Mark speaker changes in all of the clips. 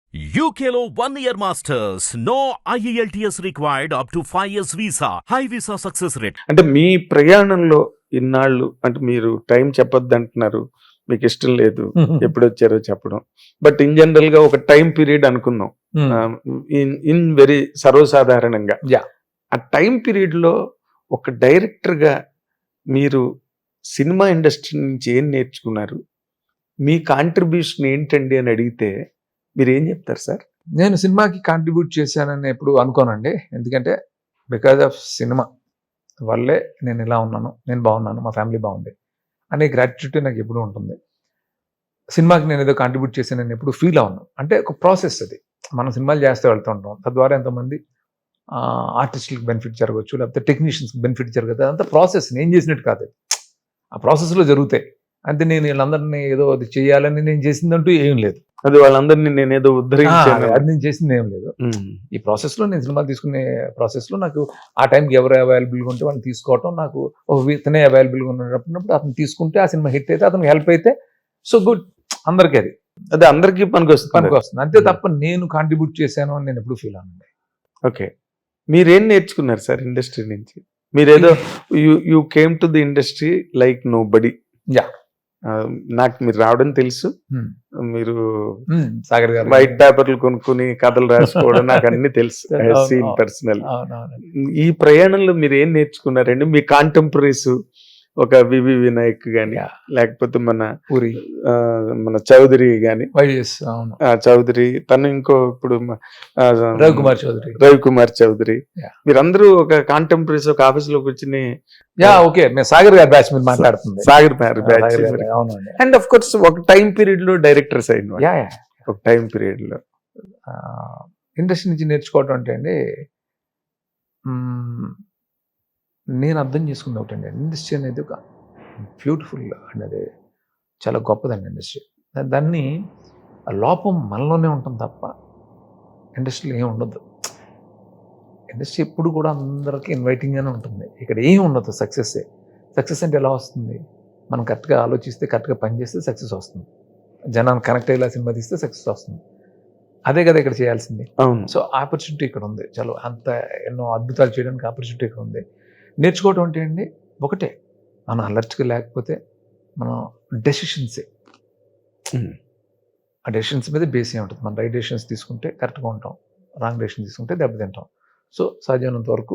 Speaker 1: UKLO 1 year masters. No IELTS required up to 5 years visa. High visa success rate.
Speaker 2: అంటే మీ ప్రయాణంలో ఇన్నాళ్ళు అంటే మీరు టైం చెప్పొద్దు అంటున్నారు, మీకు ఇష్టం లేదు ఎప్పుడు వచ్చారో చెప్పడం, బట్ ఇన్ జనరల్ గా ఒక టైం పీరియడ్ అనుకుందాం, ఇన్ వెరీ సర్వసాధారణంగా ఆ టైం పీరియడ్ లో ఒక డైరెక్టర్ గా మీరు సినిమా ఇండస్ట్రీ నుంచి ఏం నేర్చుకున్నారు, మీ కాంట్రిబ్యూషన్ ఏంటండి అని అడిగితే మీరు ఏం చెప్తారు సార్?
Speaker 3: నేను సినిమాకి కాంట్రిబ్యూట్ చేశానని ఎప్పుడు అనుకోనండి. ఎందుకంటే బికాజ్ ఆఫ్ సినిమా వల్లే నేను ఇలా ఉన్నాను, నేను బాగున్నాను, మా ఫ్యామిలీ బాగుంది అనే గ్రాట్యుటీ నాకు ఎప్పుడు ఉంటుంది. సినిమాకి నేను ఏదో కాంట్రిబ్యూట్ చేశానని ఎప్పుడు ఫీల్ అవును. అంటే ఒక ప్రాసెస్ అది, మనం సినిమాలు చేస్తూ వెళ్తూ ఉంటాం, తద్వారా ఎంతమంది ఆర్టిస్టులకు బెనిఫిట్ జరగవచ్చు, లేకపోతే టెక్నీషియన్స్కి బెనిఫిట్ జరగదు. అదంతా ప్రాసెస్, నేను చేసినట్టు కాదు, ఆ ప్రాసెస్లో జరుగుతాయి. అంటే నేను వీళ్ళందరినీ ఏదో అది చేయాలని నేను చేసిందంటూ ఏం లేదు.
Speaker 2: అది వాళ్ళందరినీ నేను ఏదో ఉద్ధరించాను,
Speaker 3: అది నేను చేసింది ఏం లేదు. ఈ ప్రాసెస్లో నేను సినిమా తీసుకునే ప్రాసెస్లో నాకు ఆ టైంకి ఎవరు అవైలబుల్గా ఉంటే వాళ్ళని తీసుకోవటం, నాకు ఒక ఇతనే అవైలబుల్గా ఉన్నప్పుడు అతను తీసుకుంటే ఆ సినిమా హిట్ అయితే, అతనికి హెల్ప్ అయితే సో గుడ్, అందరికీ అది
Speaker 2: అందరికీ పనికి వస్తుంది.
Speaker 3: అంతే తప్ప నేను కాంట్రిబ్యూట్ చేశాను అని నేను ఎప్పుడు ఫీల్ అవ్వండి.
Speaker 2: ఓకే, మీరేం నేర్చుకున్నారు సార్ ఇండస్ట్రీ నుంచి? మీరేదో you came to the industry like nobody. నాకు మీరు రావడం తెలుసు, మీరు
Speaker 3: సాగర్ గారు
Speaker 2: వైట్ పేపర్లు కొనుక్కుని కథలు రాసుకోవడం నాకు అన్ని తెలుసు, సీన్ పర్సనల్. ఈ ప్రయాణంలో మీరు ఏం నేర్చుకున్నారండి? మీ కాంటెంపరీస్ ఒక వివి వినాయక్ గాని, లేకపోతే మన చౌదరి గాని, చౌదరి తను, ఇంకో ఇప్పుడు రవికుమార్ చౌదరి, మీరందరూ ఒక కాంటెంపరీస్ ఒక ఆఫీస్ లో కూర్చుని
Speaker 3: సాగర్ గారి బ్యాచ్ మీద మాట్లాడుతుంది,
Speaker 2: Sagar batch. And of course ఒక టైం పీరియడ్ లో డైరెక్టర్స్ అయిన ఒక టైం పీరియడ్ లో
Speaker 3: ఇండస్ట్రీ నుంచి నేర్చుకోవటం అంటే అండి, నేను అర్థం చేసుకుంది ఒకటండి, ఇండస్ట్రీ అనేది ఒక బ్యూటిఫుల్ అనేది చాలా గొప్పదండి ఇండస్ట్రీ. దాన్ని లోపం మనలోనే ఉంటుంది తప్ప ఇండస్ట్రీలో ఏమి ఉండదు. ఇండస్ట్రీ ఎప్పుడు కూడా అందరికీ ఇన్వైటింగ్గానే ఉంటుంది, ఇక్కడ ఏమి ఉండదు. సక్సెస్ అంటే ఎలా వస్తుంది? మనం కరెక్ట్గా ఆలోచిస్తే, కరెక్ట్గా పనిచేస్తే సక్సెస్ వస్తుంది. జనాన్ని కనెక్ట్ అయ్యేలా సినిమా తీస్తే సక్సెస్ వస్తుంది. అదే కదా ఇక్కడ చేయాల్సింది. సో ఆపర్చునిటీ ఇక్కడ ఉంది, చాలా అంత ఎన్నో అద్భుతాలు చేయడానికి ఆపర్చునిటీ ఇక్కడ ఉంది. నేర్చుకోవటం అంటే అండి ఒకటే, మనం అలర్ట్గా లేకపోతే మనం డెసిషన్సే, ఆ డెసిషన్స్ మీద బేస్ ఏ ఉంటుంది. మనం రైట్ డెసిషన్స్ తీసుకుంటే కరెక్ట్గా ఉంటాం, రాంగ్ డెసిషన్ తీసుకుంటే దెబ్బతింటాం. సో సాధ్యమైనంత వరకు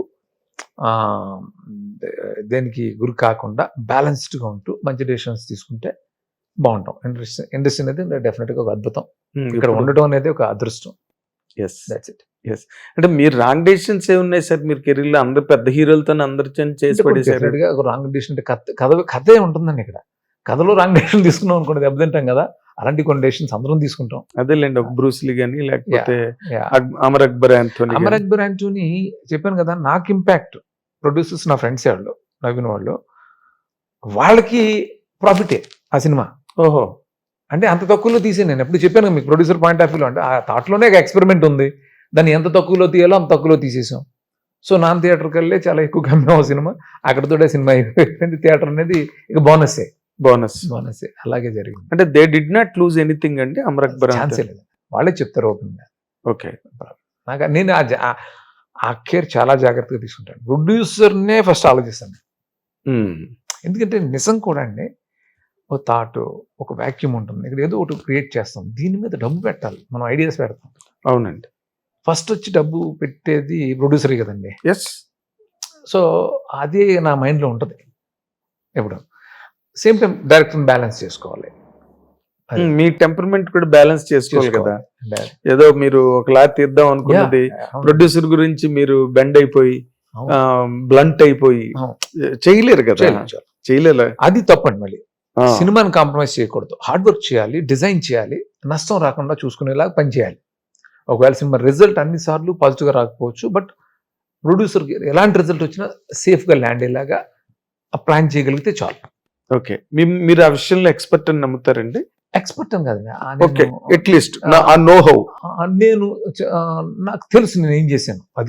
Speaker 3: దేనికి గురి కాకుండా బ్యాలెన్స్డ్గా ఉంటూ మంచి డెసిషన్స్ తీసుకుంటే బాగుంటాం. ఇండస్ట్రీ అనేది డెఫినెట్గా ఒక అద్భుతం, ఇక్కడ ఉండటం అనేది ఒక అదృష్టం. That's it.
Speaker 2: అంటే మీరు రాంగ్ డెసిషన్స్ ఏ ఉన్నాయి సార్ మీరు కెరీర్ లో? అందరు పెద్ద హీరోలతో అందరు చేసి పడేసారు.
Speaker 3: రాంగ్ డెసిషన్ అంటే కథే ఉంటుందండి. ఇక్కడ కథలో రాంగ్ డెసిషన్ తీసుకున్నాం అనుకోండి దెబ్బతింటాం కదా. అలాంటి కొన్ని డెసిషన్స్ అందరం తీసుకుంటాం.
Speaker 2: అదేలేండి, ఒక బ్రూస్లీ గానీ, లేకపోతే అమర్ అక్బర్
Speaker 3: యాంటోనీ చెప్పాను కదా. నాకు ఇంపాక్ట్ ప్రొడ్యూసర్స్ నా ఫ్రెండ్స్ వాళ్ళు, నవీన్ వాళ్ళు, వాళ్ళకి ప్రాఫిటే ఆ సినిమా.
Speaker 2: ఓహో,
Speaker 3: అంటే అంత తక్కువలో తీసే, నేను ఎప్పుడు చెప్పాను మీకు ప్రొడ్యూసర్ పాయింట్ ఆఫ్ వ్యూలో, అంటే ఆ థాట్లోనే ఒక ఎక్స్పెరిమెంట్ ఉంది, దాన్ని ఎంత తక్కువలో తీయాలో అంత తక్కువలో తీసేసాం. సో నాన్ థియేటర్కి వెళ్ళి చాలా ఎక్కువ కమ్మాం సినిమా, అక్కడతోటే సినిమా అయిపోయింది. థియేటర్ అనేది ఇక బోనస్. అలాగే జరిగింది.
Speaker 2: అంటే they did not lose anything అండి అమర్ అక్బర్?
Speaker 3: ఛాన్సే లేదు, వాళ్ళే చెప్తారు ఓపెన్గా.
Speaker 2: ఓకే,
Speaker 3: నాకు నేను ఆ కేర్ చాలా జాగ్రత్తగా తీసుకుంటాను. ప్రొడ్యూసర్నే ఫస్ట్ ఆలోచిస్తాను. ఎందుకంటే నిజం కూడా అండి, ఒక థాట్, ఒక వ్యాక్యూమ్ ఉంటుంది, ఇక్కడ ఏదో ఒకటి క్రియేట్ చేస్తాం, దీని మీద డబ్బు పెట్టాలి, మనం ఐడియాస్ పెడతాం.
Speaker 2: అవునండి,
Speaker 3: ఫస్ట్ వచ్చి డబ్బు పెట్టేది ప్రొడ్యూసరే కదండి.
Speaker 2: ఎస్.
Speaker 3: సో అది నా మైండ్లో ఉంటుంది ఎప్పుడు. సేమ్ టైం డైరెక్టర్ బ్యాలెన్స్ చేసుకోవాలి,
Speaker 2: మీ టెంపర్మెంట్ కూడా బ్యాలెన్స్ చేసుకోవాలి కదా. ఏదో మీరు ఒకలా తీద్దాం అనుకున్నది ప్రొడ్యూసర్ గురించి మీరు బెండ్ అయిపోయి బ్లంట్ అయిపోయి చేయలేరు కదా, చేయలేరు.
Speaker 3: అది తప్పండి. మళ్ళీ సినిమాని కాంప్రమైజ్ చేయకూడదు, హార్డ్ వర్క్ చేయాలి, డిజైన్ చేయాలి, నష్టం రాకుండా చూసుకునేలాగా పనిచేయాలి. ఒకవేళ సినిమా రిజల్ట్ అన్నిసార్లు పాజిటివ్గా రాకపోవచ్చు, బట్ ప్రొడ్యూసర్కి ఎలాంటి రిజల్ట్ వచ్చినా సేఫ్గా ల్యాండ్ అయ్యేలాగా ప్లాన్ చేయగలిగితే చాలు.
Speaker 2: ఓకే, మీరు ఆ విషయంలో ఎక్స్పర్ట్ అని నమ్ముతారండి?
Speaker 3: ఎక్స్పర్ట్ అని కాదు,
Speaker 2: అట్లీస్ట్ నో హౌ,
Speaker 3: నేను నాకు తెలుసు నేను ఏం చేశాను, అది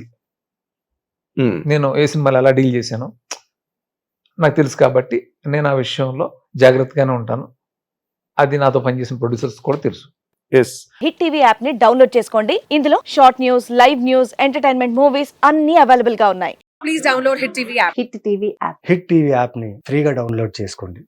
Speaker 3: నేను ఏ సినిమాలు ఎలా డీల్ చేశాను నాకు తెలుసు. కాబట్టి నేను ఆ విషయంలో జాగ్రత్తగానే ఉంటాను. అది నాతో పనిచేసిన ప్రొడ్యూసర్స్ కూడా తెలుసు.
Speaker 2: ఎస్.
Speaker 4: హిట్ టీవీ యాప్ ని డౌన్లోడ్ చేసుకోండి. ఇందులో short news, live news, entertainment movies అన్ని అవైలబుల్ గా ఉన్నాయి.
Speaker 5: Please download Hit TV app.
Speaker 4: Hit TV app.
Speaker 6: Hit TV యాప్ని ఫ్రీగా డౌన్లోడ్ చేసుకోండి.